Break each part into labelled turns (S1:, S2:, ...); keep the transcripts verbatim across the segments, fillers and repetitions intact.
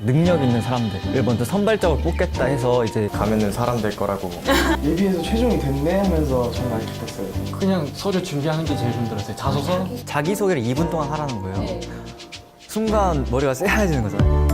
S1: 능력 있는 사람들을 먼저 선발적으로 뽑겠다 해서 이제
S2: 가면은 사람 될 거라고.
S3: 예비에서 최종이 됐네 하면서 정말 기뻤어요.
S4: 그냥 서류 준비하는 게 제일 힘들었어요. 자소서?
S1: 자기소개를 이 분 동안 하라는 거예요. 순간 머리가 쎄해지는 거잖아요.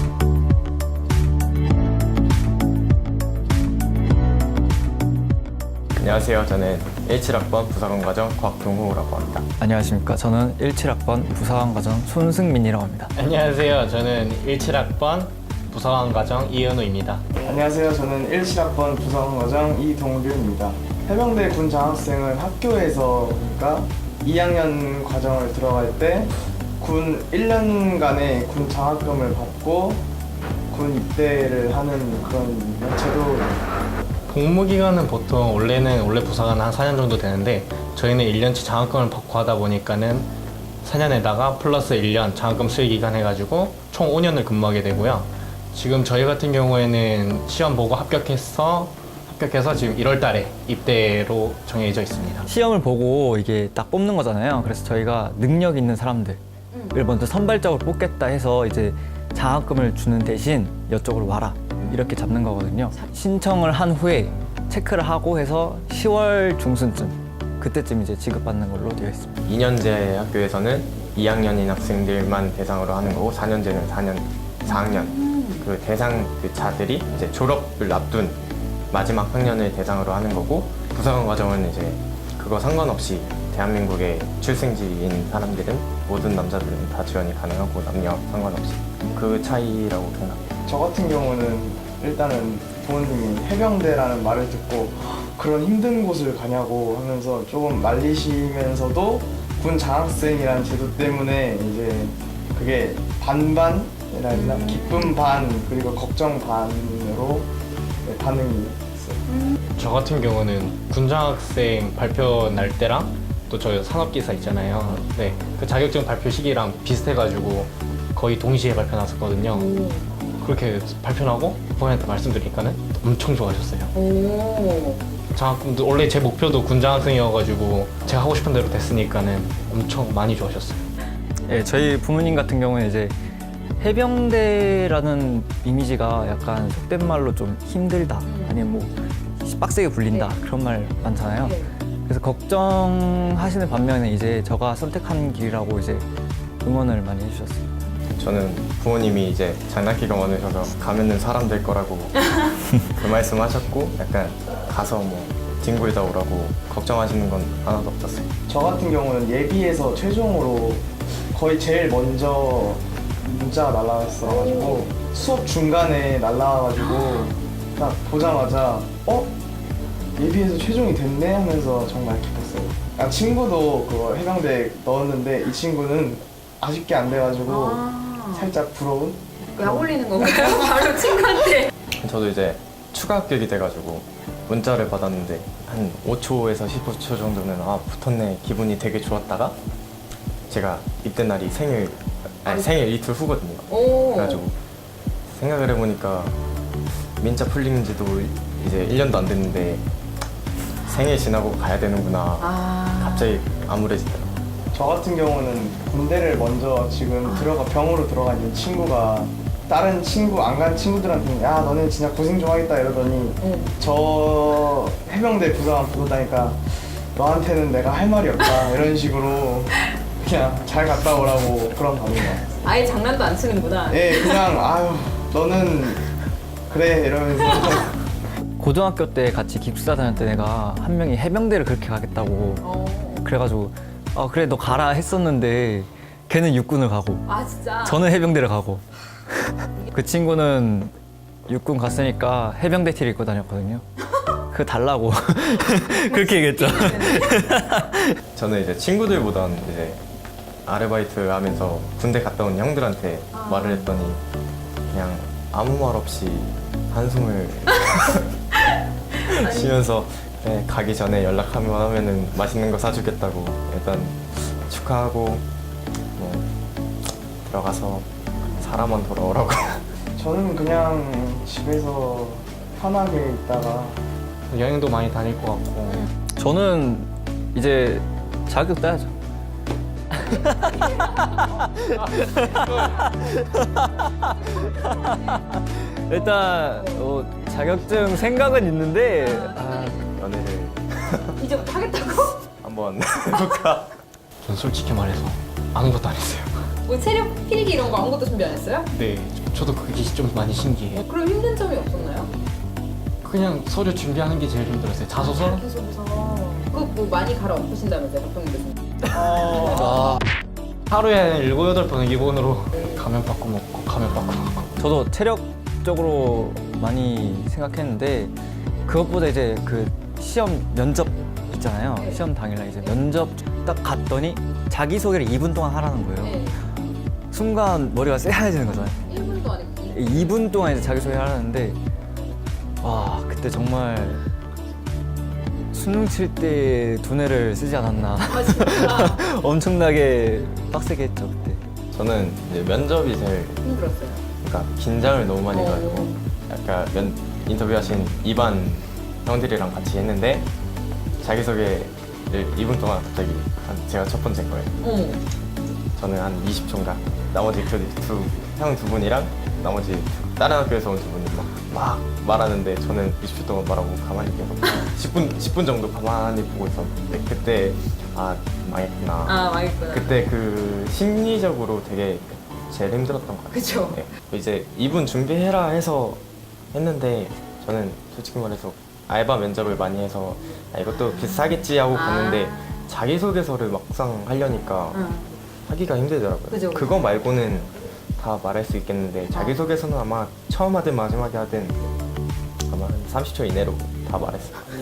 S2: 안녕하세요. 저는 십칠 학번 부사관과정 곽동호라고 합니다.
S1: 안녕하십니까. 저는 십칠 학번 부사관과정 손승민이라고 합니다.
S4: 안녕하세요. 저는 십칠 학번 부사관 과정 이현우입니다.
S3: 안녕하세요. 저는 십칠 학번 부사관과정 이동규입니다. 해병대 군 장학생을 학교에서 그러니까 이 학년 과정을 들어갈 때 군 일 년간의 군 장학금을 받고 군 입대를 하는 그런 제도.
S4: 복무 기간은 보통 원래는 원래 부사관은 한 사 년 정도 되는데 저희는 일 년치 장학금을 받고 하다 보니까는 사 년에다가 플러스 일 년 장학금 수익 기간 해가지고 총 오 년을 근무하게 되고요. 지금 저희 같은 경우에는 시험 보고 합격해서 합격해서 지금 일월 달에 입대로 정해져 있습니다.
S1: 시험을 보고 이게 딱 뽑는 거잖아요. 그래서 저희가 능력 있는 사람들을 먼저 선발적으로 뽑겠다 해서 이제 장학금을 주는 대신 이쪽으로 와라 이렇게 잡는 거거든요. 신청을 한 후에 체크를 하고 해서 시월 중순쯤 그때쯤 이제 지급받는 걸로 되어 있습니다.
S2: 이 년제 학교에서는 이 학년인 학생들만 대상으로 하는 거고 사 년제는 사 년, 사 학년 그 대상 그 자들이 이제 졸업을 앞둔 마지막 학년을 대상으로 하는 거고 부사관 과정은 이제 그거 상관없이 대한민국의 출생지인 사람들은 모든 남자들은 다 지원이 가능하고 남녀 상관없이 그 차이라고 생각합니다.
S3: 저 같은 경우는 일단은 부모님이 해병대라는 말을 듣고 그런 힘든 곳을 가냐고 하면서 조금 말리시면서도 군 장학생이라는 제도 때문에 이제 그게 반반이라 해야 되나? 기쁨 반 그리고 걱정 반으로 네, 반응이 있어요.
S4: 저 같은 경우는 군장학생 발표 날 때랑 또 저희 산업기사 있잖아요. 네, 그 자격증 발표 시기랑 비슷해가지고 거의 동시에 발표 났었거든요. 그렇게 발표 나고 부모님한테 말씀드리니까는 엄청 좋아하셨어요.
S5: 오.
S4: 장학금도 원래 제 목표도 군장학생이어가지고 제가 하고 싶은 대로 됐으니까는 엄청 많이 좋아하셨어요.
S1: 예, 저희 부모님 같은 경우는 이제 해병대라는 이미지가 약간 속된 말로 좀 힘들다 아니면 뭐 빡세게 굴린다 그런 말 많잖아요. 그래서 걱정하시는 반면에 이제 제가 선택한 길이라고 이제 응원을 많이 해주셨어요.
S2: 저는 부모님이 이제 장난기가 많으셔서 가면은 사람 될 거라고 그 말씀하셨고 약간 가서 뭐 뒹굴다 오라고 걱정하시는 건 하나도 없었어요.
S3: 저 같은 경우는 예비에서 최종으로 거의 제일 먼저 문자가 날라왔어가지고 수업 중간에 날라와가지고 딱 보자마자 어? 예비에서 최종이 됐네 하면서 정말 기뻤어요. 아, 친구도 그거 해병대 넣었는데 이 친구는 아쉽게 안 돼가지고
S5: 아.
S3: 살짝 부러운?
S5: 약 올리는 건가요? 바로 친구한테.
S2: 저도 이제 추가 합격이 돼가지고 문자를 받았는데 한 오 초에서 십오 초 정도는 아 붙었네 기분이 되게 좋았다가 제가 입대 날이 생일 아니 생일 이틀 후거든요.
S5: 오.
S2: 그래가지고 생각을 해보니까 민자 풀린 지도 이제 일 년도 안 됐는데 생일 지나고 가야 되는구나.
S5: 아.
S2: 갑자기 암울해지더라고요.
S3: 저 같은 경우는 군대를 먼저 지금
S5: 아.
S3: 들어가 병으로 들어가 있는 친구가 다른 친구 안 간 친구들한테는 야 너네 진짜 고생 좀 하겠다 이러더니
S5: 응.
S3: 저 해병대 부사관 보고 다니까 너한테는 내가 할 말이 없다 이런 식으로 그냥 잘 갔다 오라고 그런 반응이에요.
S5: 아예 장난도 안 치는구나.
S3: 예, 그냥 아유 너는 그래 이러면서
S1: 고등학교 때 같이 기숙사 다녔던 애가 한 명이 해병대를 그렇게 가겠다고
S5: 어.
S1: 그래가지고 아 그래 너 가라 했었는데 걔는 육군을 가고
S5: 아 진짜.
S1: 저는 해병대를 가고 그 친구는 육군 갔으니까 해병대 티를 입고 다녔거든요. 그거 달라고 그렇게 얘기했죠.
S2: 저는 이제 친구들보다는 이제 아르바이트 하면서 군대 갔다 온 형들한테
S5: 아.
S2: 말을 했더니 그냥 아무 말 없이 한숨을 쉬면서 네, 가기 전에 연락하면 하면은 맛있는 거 사주겠다고 일단 축하하고 뭐 들어가서 사람만 돌아오라고.
S3: 저는 그냥 집에서 편하게 있다가
S4: 여행도 많이 다닐 것 같고
S1: 저는 이제 자격 따야죠. 일단 어, 자격증 생각은 있는데 아,
S2: 연애를
S5: 이제부터 하겠다고?
S2: 한번 해볼까?
S4: 전 솔직히 말해서 아무것도 안 했어요.
S5: 뭐 체력 필기 이런 거 아무것도 준비 안 했어요?
S4: 네, 저도 그게 좀 많이 신기해요.
S5: 그럼 힘든 점이 없었나요?
S4: 그냥 서류 준비하는 게 제일 힘들었어요. 자소서?
S5: 계속해서 그거 뭐 많이 갈아엎으신다면서요, 박병민 교수님?
S1: 아,
S4: 하루에 일곱 여덟 번 일본어로 가면 바꿔 먹고 가면 바꿔 먹고.
S1: 저도 체력적으로 많이 생각했는데 그것보다 이제 그 시험 면접 있잖아요.
S5: 네.
S1: 시험 당일날 이제 면접 딱 갔더니 자기소개를 이 분 동안 하라는 거예요.
S5: 네.
S1: 순간 머리가 쎄해지는 거잖아요.
S5: 일 분도 아니고
S1: 이 분 동안 이제 자기소개를 하라는데 와 그때 정말 수능 칠 때 두뇌를 쓰지 않았나.
S5: 아 진짜
S1: 엄청나게 빡세게 했죠 그때.
S2: 저는 이제 면접이 제일
S5: 힘들었어요.
S2: 그러니까 긴장을 너무 많이 해가지고
S5: 어.
S2: 약간 면, 인터뷰하신 이반 형들이랑 같이 했는데 자기소개를 이 분 동안 갑자기 한 제가 첫 번째인 거예요.
S5: 어.
S2: 저는 한 이십 초인가 나머지 그 두 형 두 분이랑 나머지 다른 학교에서 온 두 분이 막, 막 말하는데 저는 이십 초 동안 말하고 가만히 계속 십 분, 십 분 정도 가만히 보고 있었는데 그때 아 망했구나.
S5: 아 망했구나.
S2: 그때 그 심리적으로 되게 제일 힘들었던 것 같아요.
S5: 그쵸.
S2: 네. 이제 이분 준비해라 해서 했는데 저는 솔직히 말해서 알바 면접을 많이 해서 아, 이것도 비슷하겠지 하고
S5: 아.
S2: 갔는데 자기소개서를 막상 하려니까
S5: 응.
S2: 하기가 힘들더라고요.
S5: 그죠.
S2: 그거 말고는 다 말할 수 있겠는데 자기소개서는 아마 처음 하든 마지막에 하든 아마 한 삼십 초 이내로 다 말했어요.